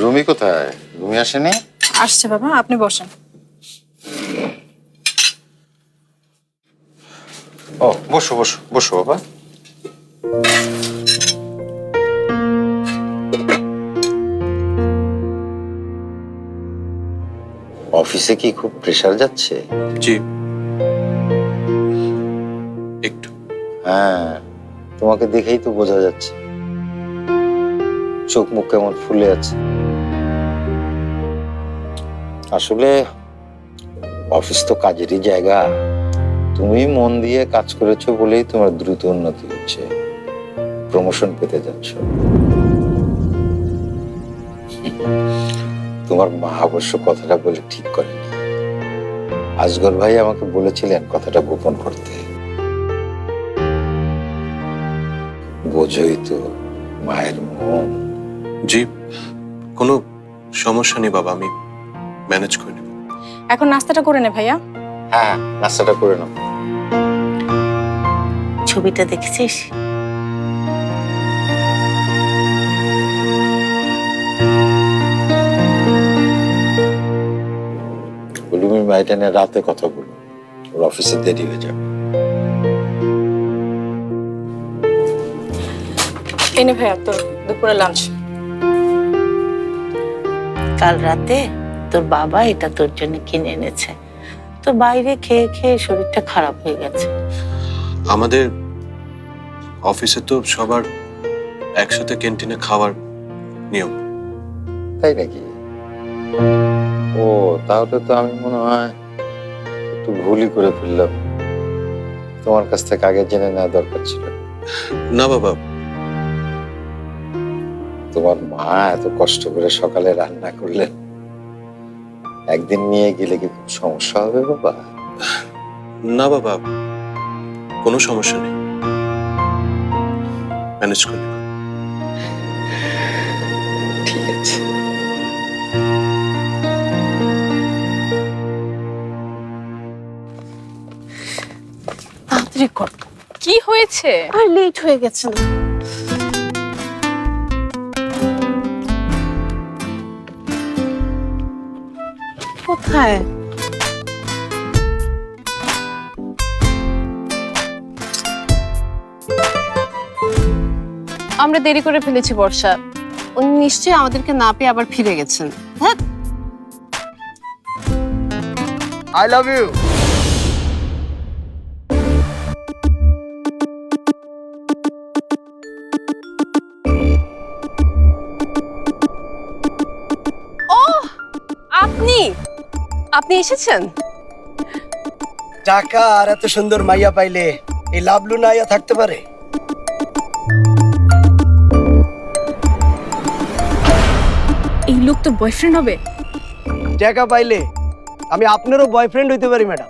রুমি কোথায়? রুমি আসেনি? আসছে বাবা, আপনি বসেন। ও বসো বসো বসো বাবা। অফিসে কি খুব প্রেসার যাচ্ছে? জি, একটু। হ্যাঁ, তোমাকে দেখেই তো বোঝা যাচ্ছে, চোখ মুখ কেমন ফুলে আছে। আসলে অফিস তো কাজেরই জায়গা। তুমি মন দিয়ে কাজ করেছো বলেই তোমার দ্রুত উন্নতি হচ্ছে, প্রমোশন পেতে যাচ্ছ। তোমার মা অবশ্য কথাটা বলে ঠিক করেনি। আজগর ভাই আমাকে বলেছিলেন কথাটা গোপন করতে। বোঝই তো মায়ের মন। জি, কোনো সমস্যা নেই বাবা, আমি ম্যানেজ করে নেব। এখন নাস্তাটা করে নে ভাইয়া। হ্যাঁ, নাস্তাটা করে নাও। ছবিটা দেখেছিস? তুমি মাইটা নিয়ে রাতে কথা বলো, ওর অফিসে দেরি হয়ে যাবে। এনে ভাইয়া তোর দুপুরে লাঞ্চ। কাল রাতে তোর বাবা এটা তোর জন্য কিনে এনেছে। তো বাইরে খেয়ে খেয়ে শরীরটা খারাপ হয়ে গেছে। আমাদের অফিসে তো সবার একসাথে ক্যান্টিনে খাওয়ার নিয়ম। তাই নাকি? ও তাহলে তো আমি মনে হয় একটু ভুলই করে ফেললাম। তোমার কাছ থেকে আগে জেনে নেওয়া দরকার ছিল। না বাবা, তোমার মা এত কষ্ট করে সকালে রান্না করলেন, একদিন নিয়ে গেলে কি খুব সমস্যা হবে বাবা? না বাবা, কোনো সমস্যা নেই, ম্যানেজ করে নেব। ঠিক আছে। তাড়াতাড়ি কর। কি হয়েছে? আর লেট হয়ে গেছে না? কোথায়? আমরা দেরি করে ফেলেছি বর্ষা। উনি নিশ্চয়ই আমাদেরকে না পেয়ে আবার ফিরে গেছেন। হ্যাঁ, I love you. আপনি আপনি এসেছেন? টাকা আর এত সুন্দর মাইয়া পাইলে এই লাভলু না আইয়া থাকতে পারে? এই লোক তো বয়ফ্রেন্ড হবে। টাকা পাইলে আমি আপনারও বয়ফ্রেন্ড হইতে পারি ম্যাডাম।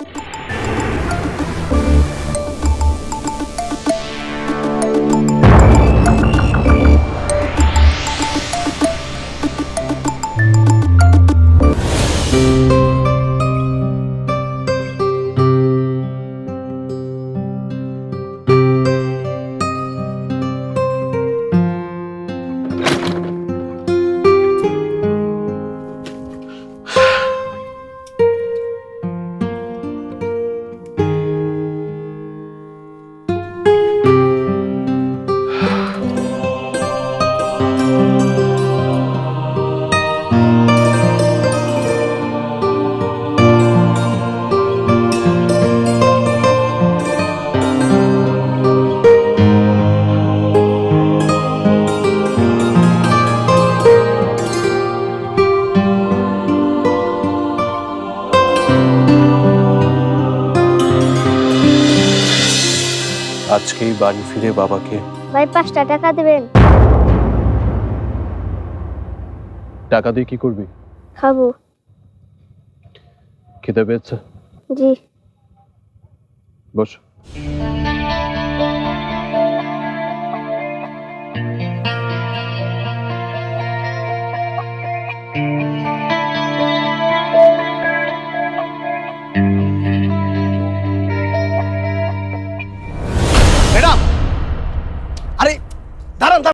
আজকেই বাড়ি ফিরে বাবাকে ভাই 5টা টাকা দেবেন? টাকা দিয়ে কি করবি? খাবো। খেতে পেয়েছে? জি। বস।